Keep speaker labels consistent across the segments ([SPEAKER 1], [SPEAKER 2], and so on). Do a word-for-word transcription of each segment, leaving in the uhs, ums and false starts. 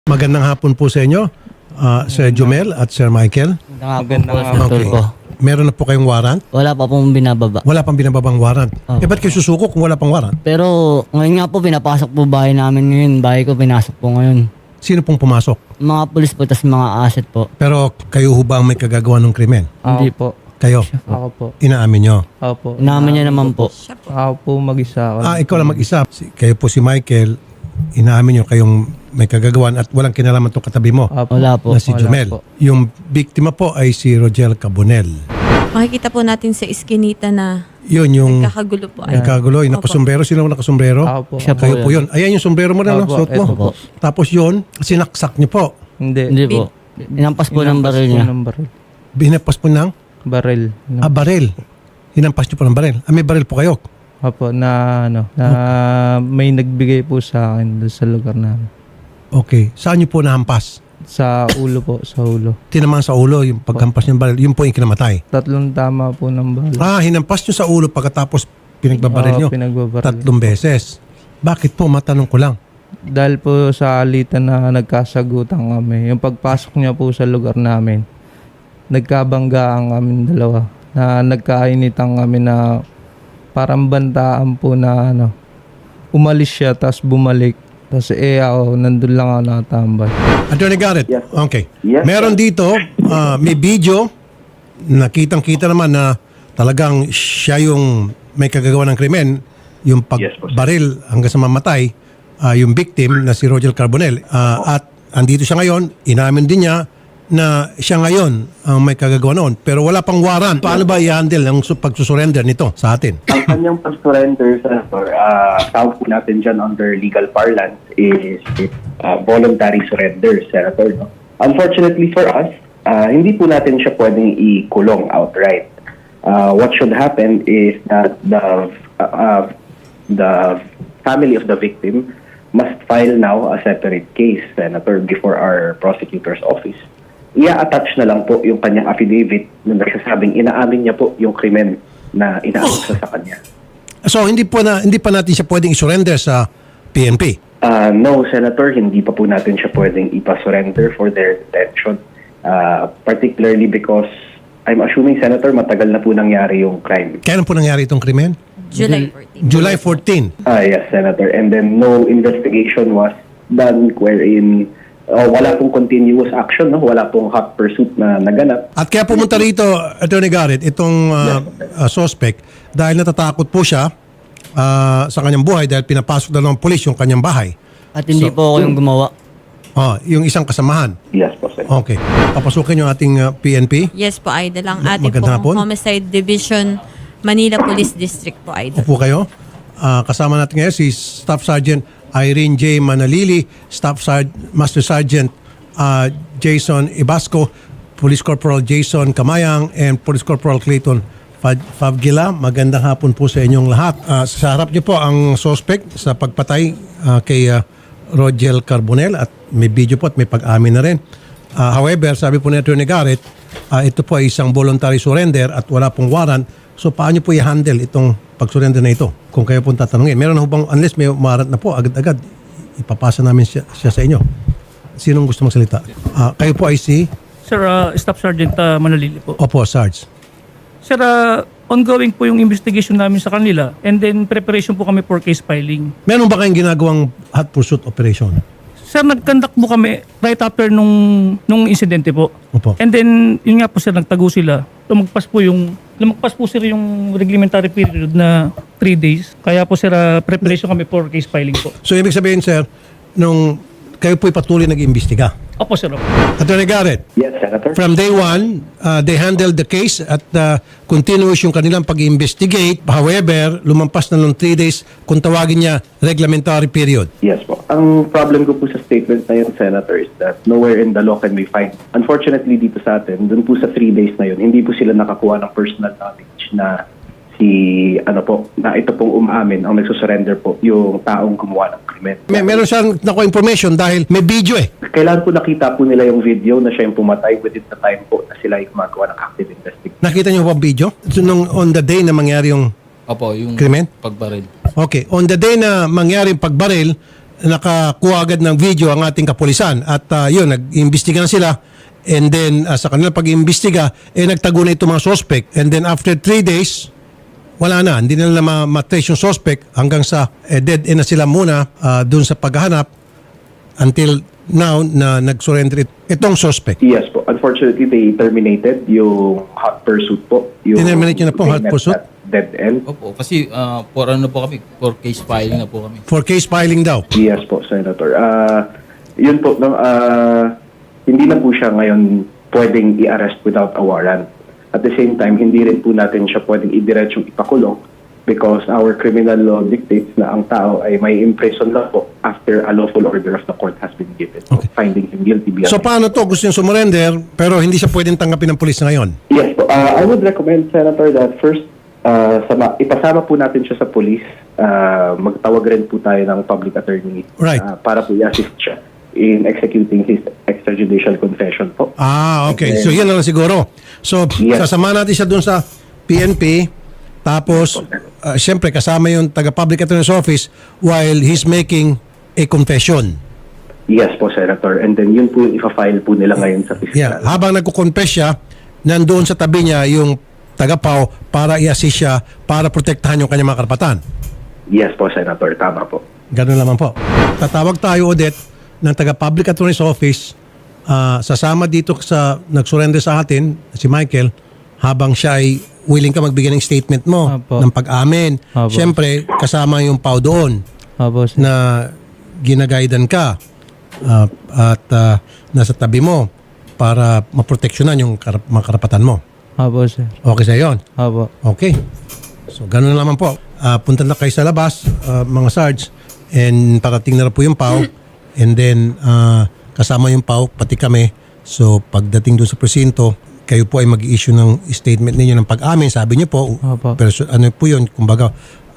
[SPEAKER 1] Magandang hapon po sa inyo, uh, Sir Jumel at Sir Michael.
[SPEAKER 2] Magandang
[SPEAKER 3] po,
[SPEAKER 2] hapon
[SPEAKER 1] Okay.
[SPEAKER 2] po.
[SPEAKER 1] Meron na po kayong warrant?
[SPEAKER 3] Wala pa pong binababa.
[SPEAKER 1] Wala pang binababang warrant.
[SPEAKER 3] Opo.
[SPEAKER 1] Eh ba't kayo susuko kung wala pang warrant?
[SPEAKER 3] Pero ngayon nga po, pinapasok po bahay namin ngayon. Bahay ko pinasok po ngayon.
[SPEAKER 1] Sino pong pumasok?
[SPEAKER 3] Mga pulis po, tas mga asset po.
[SPEAKER 1] Pero kayo ho ba ang may kagagawa ng krimen?
[SPEAKER 2] Ako
[SPEAKER 3] Hindi.
[SPEAKER 2] po.
[SPEAKER 1] Kayo?
[SPEAKER 2] Ako po.
[SPEAKER 1] Inaamin nyo?
[SPEAKER 2] Ako po.
[SPEAKER 3] Inamin niya naman po.
[SPEAKER 2] Ako po mag-isa. Ako.
[SPEAKER 1] Ah, ikaw lang mag-isa. Si- Kayo po si Michael, inaamin nyo kayong may kagagawan at walang kinalaman itong katabi mo
[SPEAKER 2] Ako po.
[SPEAKER 3] Wala po.
[SPEAKER 1] na si
[SPEAKER 2] Wala
[SPEAKER 1] Jumel.
[SPEAKER 2] po.
[SPEAKER 1] Yung biktima po ay si Rogel Cabonel.
[SPEAKER 4] Makikita po natin sa iskinita na
[SPEAKER 1] Yun yung
[SPEAKER 4] kakagulo po.
[SPEAKER 1] ay kagulo, yung
[SPEAKER 4] Opo.
[SPEAKER 1] nakasombrero. Sino ang nakasombrero?
[SPEAKER 2] Ako po.
[SPEAKER 3] Siya po.
[SPEAKER 1] Kayo po yun. Ayan yung sombrero mo na, no?
[SPEAKER 2] Opo,
[SPEAKER 1] Suot mo.
[SPEAKER 2] eto po.
[SPEAKER 1] Tapos yun, sinaksak nyo po.
[SPEAKER 2] Hindi.
[SPEAKER 3] Hindi po. Inampas po ng
[SPEAKER 2] Inampas
[SPEAKER 3] baril
[SPEAKER 2] po
[SPEAKER 3] niya.
[SPEAKER 2] ng baril.
[SPEAKER 1] Binapas po ng
[SPEAKER 2] Baril. No.
[SPEAKER 1] ah, baril. Hinampas nyo po ng baril. Ah, may baril po kayo.
[SPEAKER 2] Opo, na ano, na may nagbigay po sa akin doon sa lugar namin.
[SPEAKER 1] Okay. Saan nyo po nahampas?
[SPEAKER 2] Sa ulo po, sa ulo.
[SPEAKER 1] Tinamaan sa ulo, yung paghampas nyo ng baril. Yun po yung kinamatay.
[SPEAKER 2] Tatlong tama po ng baril.
[SPEAKER 1] Ah, hinampas nyo sa ulo pagkatapos pinagbabaril nyo.
[SPEAKER 2] Oo, pinagbabaril.
[SPEAKER 1] Tatlong beses. Bakit po? Matanong ko lang.
[SPEAKER 2] Dahil po sa alitan na nagkasagutan kami, yung pagpasok niya po sa lugar namin, nagkabanggaan kami dalawa. Na nagkainitan kami na parang bantaan po na ano, umalis siya tapos bumalik. Tapos eh ako, nandun lang ako nakatambay.
[SPEAKER 1] Attorney Garrett.
[SPEAKER 5] Yes.
[SPEAKER 1] Okay.
[SPEAKER 5] Yes,
[SPEAKER 1] Meron dito, ah, may video, nakitang-kita naman na talagang siya yung may kagagawa ng krimen, yung
[SPEAKER 5] Yes, po, sir.
[SPEAKER 1] pagbaril hanggang sa mamatay, ah, yung victim na si Rogel Carbonell. Ah, at andito siya ngayon, inamin din niya na siya ngayon ang may kagagawa noon. Pero wala pang warrant. Paano ba i-handle ang su- pagsusurrender nito sa atin?
[SPEAKER 5] Ang kanyang pag-surrender, Senator, uh, tawag po natin dyan under legal parlance is uh, voluntary surrender, Senator. No? Unfortunately for us, uh, hindi po natin siya pwedeng i-kulong outright. Uh, what should happen is that the uh, uh, the family of the victim must file now a separate case, Senator, before our prosecutor's office. Ia-attach na lang po yung kanyang affidavit na nagsasabing inaamin niya po yung krimen na inaamin sa kanya.
[SPEAKER 1] So hindi po na hindi pa natin siya pwedeng i-surrender sa P N P.
[SPEAKER 5] Uh, no, Senator, hindi pa po natin siya pwedeng ipa-surrender for their detention. Uh, particularly because I'm assuming, Senator, matagal na po nangyari yung crime.
[SPEAKER 1] Kailan po nangyari itong krimen?
[SPEAKER 4] July fourteenth.
[SPEAKER 1] July fourteenth.
[SPEAKER 5] Ah, yes, Senator. And then no investigation was done wherein uh, wala pong continuous action, no? Wala pong hot pursuit na naganap.
[SPEAKER 1] At kaya pumunta rito, Attorney Garrett, itong uh, uh, suspect dahil natatakot po siya uh, sa kanyang buhay dahil pinapasok na ng polis yung kanyang bahay.
[SPEAKER 3] At hindi
[SPEAKER 1] So-
[SPEAKER 3] po ako yung gumawa.
[SPEAKER 1] Oh, yung isang kasamahan.
[SPEAKER 5] Yes po, Senator.
[SPEAKER 1] Okay. Papasukin yung ating uh, P N P.
[SPEAKER 4] Yes po, Idol. Ang
[SPEAKER 1] Ma-
[SPEAKER 4] ating
[SPEAKER 1] magandang hapon.
[SPEAKER 4] pong Homicide Division, Manila Police District po, Idol.
[SPEAKER 1] Upo kayo. Ah, kasama natin ngayon si Staff Sergeant Irene J. Manalili, Staff Sergeant, Master Sergeant ah, Jason Ibasco, Police Corporal Jason Kamayang, and Police Corporal Clayton Fad- Favgila. Magandang hapon po sa inyong lahat. Ah, sa harap niyo po ang suspect sa pagpatay ah, kay ah, Rogel Carbonell at may video po at may pag-amin na rin. Ah, however, sabi po ni Attorney Garrett, ah, ito po ay isang voluntary surrender at wala pong warrant. So paano po i-handle itong pag-surrender na ito? Kung kayo pong tatanungin. Meron na ho bang, unless may warrant na po, agad-agad ipapasa namin siya, siya sa inyo. Sinong gusto magsalita? Ah, kayo po ay si
[SPEAKER 6] Sir, uh, Staff Sergeant uh, Manalili po.
[SPEAKER 1] Opo, Sarge.
[SPEAKER 6] Sir, uh, ongoing po yung investigation namin sa kanila and then preparation po kami for case filing.
[SPEAKER 1] Meron ba kayong ginagawang hot pursuit operation?
[SPEAKER 6] Sir, nag-conduct po kami right after nung, nung insidente po.
[SPEAKER 1] Opo.
[SPEAKER 6] And then, yun nga po sir, nagtago sila. Lumagpas po yung, lumagpas po sir yung reglementary period na three days. Kaya po sir, uh, preparation kami for case filing po.
[SPEAKER 1] So ibig sabihin, sir, nung kayo po'y patuloy nag-imbestiga.
[SPEAKER 6] Opo sir. Opo.
[SPEAKER 1] Attorney Garrett,
[SPEAKER 5] Yes, Senator.
[SPEAKER 1] from day one, uh, they handled the case at uh, continuous yung kanilang pag-investigate. However, lumampas na ng three days kung tawagin niya reglementary period.
[SPEAKER 5] Yes po. Ang problem ko po sa statement na yun, Senator, is that nowhere in the law can we find. Unfortunately, dito sa atin, dun po sa three days na yun, hindi po sila nakakuha ng personal knowledge na si, ano po, na ito pong umaamin, ang nagsusurrender po, yung taong gumawa ng krimen.
[SPEAKER 1] May, meron siyang nakuha information dahil may video eh.
[SPEAKER 5] Kailan po nakita po nila yung video na siya yung pumatay within the time po na sila yung gumagawa ng active investigation.
[SPEAKER 1] Nakita niyo ba ang video? So, nung on the day na mangyari yung
[SPEAKER 7] Opo, yung
[SPEAKER 1] krimen?
[SPEAKER 7] pagbaril.
[SPEAKER 1] Okay. On the day na mangyari yung pagbaril, nakakuha agad ng video ang ating kapulisan at uh, yun, nag-imbestiga na sila and then uh, sa kanila pag-imbestiga, eh nagtago na itong mga suspect and then after three days, wala na, hindi nila ma- matrace yung suspect hanggang sa eh, dead end na sila muna uh, dun sa paghahanap until now na nag-surrender it- itong suspect.
[SPEAKER 5] Yes po. Unfortunately, they terminated yung hot pursuit po. Yung
[SPEAKER 1] Tinerminate nyo na po, hot
[SPEAKER 5] payment
[SPEAKER 1] pursuit?
[SPEAKER 5] at Dead end.
[SPEAKER 7] Opo, kasi ah, for ano po kami, for case filing na po kami.
[SPEAKER 1] For case filing daw.
[SPEAKER 5] Yes po, Senator. Ah, yun po, no, ah, hindi na po siya ngayon pwedeng i-arrest without a warrant. At the same time, hindi rin po natin siya pwedeng idiretsong ipakulong because our criminal law dictates na ang tao ay may imprison lang po after a lawful order of the court has been given.
[SPEAKER 1] Okay.
[SPEAKER 5] Finding him guilty beyond.
[SPEAKER 1] So paano to? Gusto yung sumurrender pero hindi siya pwedeng tanggapin ng pulis ngayon.
[SPEAKER 5] Yes po. Uh, I would recommend, Senator, that first, uh, sama, ipasama po natin siya sa police. Uh, magtawag rin po tayo ng public attorney
[SPEAKER 1] Right.
[SPEAKER 5] uh, para po i-assist siya in executing his extrajudicial confession po.
[SPEAKER 1] Ah, okay. So yan na lang siguro. So
[SPEAKER 5] Yes.
[SPEAKER 1] sasama natin siya dun sa P N P tapos uh, siyempre kasama yung taga-public attorney's office while he's making a confession.
[SPEAKER 5] Yes po, Senator. And then yun po yung ipa-file po nila ngayon sa fiscal.
[SPEAKER 1] Yeah, habang nagko-confess siya, nandoon sa tabi niya yung taga-P A O para i-assist siya para protektahan yung kanyang mga karapatan.
[SPEAKER 5] Yes po, Senator. Tama po.
[SPEAKER 1] Ganun naman po. Tatawag tayo, Odette, ng taga-public attorney's office, ah, sasama dito sa nag-surrender sa atin, si Michael, habang siya ay willing ka magbigay ng statement mo,
[SPEAKER 2] Apo.
[SPEAKER 1] ng pag-amin.
[SPEAKER 2] Apo.
[SPEAKER 1] Siyempre, kasama yung P A O doon
[SPEAKER 2] Opo, sir.
[SPEAKER 1] na ginagaidan ka ah, at ah, nasa tabi mo para maproteksyonan yung karap- mga karapatan mo.
[SPEAKER 2] Opo, sir.
[SPEAKER 1] Okay sa yon.
[SPEAKER 2] Opo.
[SPEAKER 1] Okay. So, ganun naman po. Ah, punta na kayo sa labas, ah, mga sarge, and parating na rin po yung P A O. And then, ah, kasama yung P A O, pati kami. So, pagdating doon sa presinto, kayo po ay mag-issue ng statement ninyo ng pag-amin. Sabi niyo po,
[SPEAKER 2] Opo.
[SPEAKER 1] perso- ano po yun, kumbaga,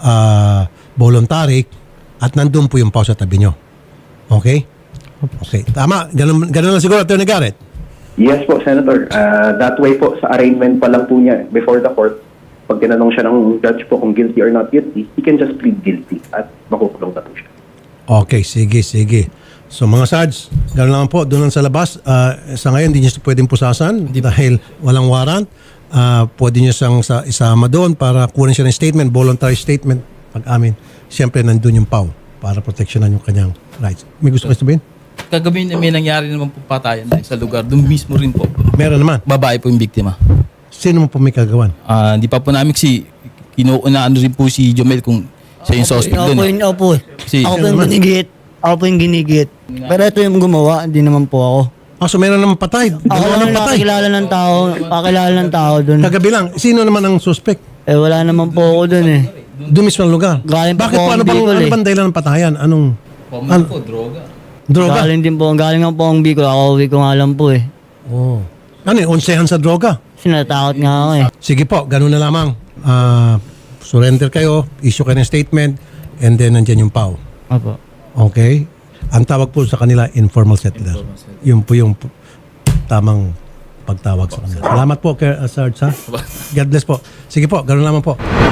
[SPEAKER 1] ah, voluntary, at nandun po yung P A O sa tabi niyo. Okay? Okay. Tama. Ganun, ganun lang siguro, Attorney Garrett.
[SPEAKER 5] Yes po, Senator. Uh, that way po, sa arraignment pa lang po niya before the court, pag tinanong siya ng judge po kung guilty or not guilty, he can just plead guilty at makukulong na po siya.
[SPEAKER 1] Okay, sige, sige. So mga Sarge, gano'n lang po, doon lang sa labas. Ah, sa ngayon, hindi niyo siya pwedeng pusasan dahil walang warrant. Ah, pwede niyo siyang sa, isama doon para kunin siya ng statement, voluntary statement, pag-amin. Siyempre, nandun yung P A O para proteksyonan yung kanyang rights. May gusto kayo sabihin?
[SPEAKER 7] Kagabi na may nangyari naman po patayan dahil sa lugar. Doon mismo rin po.
[SPEAKER 1] Meron naman.
[SPEAKER 7] Babae po yung biktima.
[SPEAKER 1] Sino mo po may kagawan?
[SPEAKER 7] Ah, Hindi pa po namin si kinuunaan rin po si Jomel kung siya yung suspect
[SPEAKER 3] Ako
[SPEAKER 7] doon.
[SPEAKER 3] po
[SPEAKER 7] eh.
[SPEAKER 3] yung, ako po.
[SPEAKER 7] Si,
[SPEAKER 3] Ako po yung ginigit. Ako po yung ginigit. Pero ito yung gumawa, hindi naman po ako.
[SPEAKER 1] Ah, so meron naman patay.
[SPEAKER 3] Ako
[SPEAKER 1] Dalawa
[SPEAKER 3] lang
[SPEAKER 1] ng patay.
[SPEAKER 3] nakakilala ng tao, pakilala ng tao dun.
[SPEAKER 1] Kagabi lang. Sino naman ang suspect?
[SPEAKER 3] Eh wala naman po ako dun eh.
[SPEAKER 1] Doon mismo ang lugar.
[SPEAKER 3] Galing pa
[SPEAKER 1] Bakit
[SPEAKER 3] po
[SPEAKER 1] po?
[SPEAKER 3] ang
[SPEAKER 1] Ano bang,
[SPEAKER 3] Bicol
[SPEAKER 1] ano
[SPEAKER 3] eh.
[SPEAKER 1] bang dahilan ng patayan? Anong
[SPEAKER 7] Ano po, droga.
[SPEAKER 1] droga?
[SPEAKER 3] Galing din po, galing nga po ang Bicol. Ako uwi ko nga lang po eh.
[SPEAKER 1] Oh. Ano yun? Onsehan sa droga?
[SPEAKER 3] Sinatakot nga ako eh.
[SPEAKER 1] Sige po, ganun na lamang. Ah, surrender kayo, issue kayo ng statement, and then nandyan yung P A O.
[SPEAKER 3] Opo.
[SPEAKER 1] Okay? Ang tawag po sa kanila, informal settler. Yun po yung p- tamang pagtawag sa kanila. Salamat po, Sir uh, Sarge. Ha? God bless po. Sige po, ganun lamang po.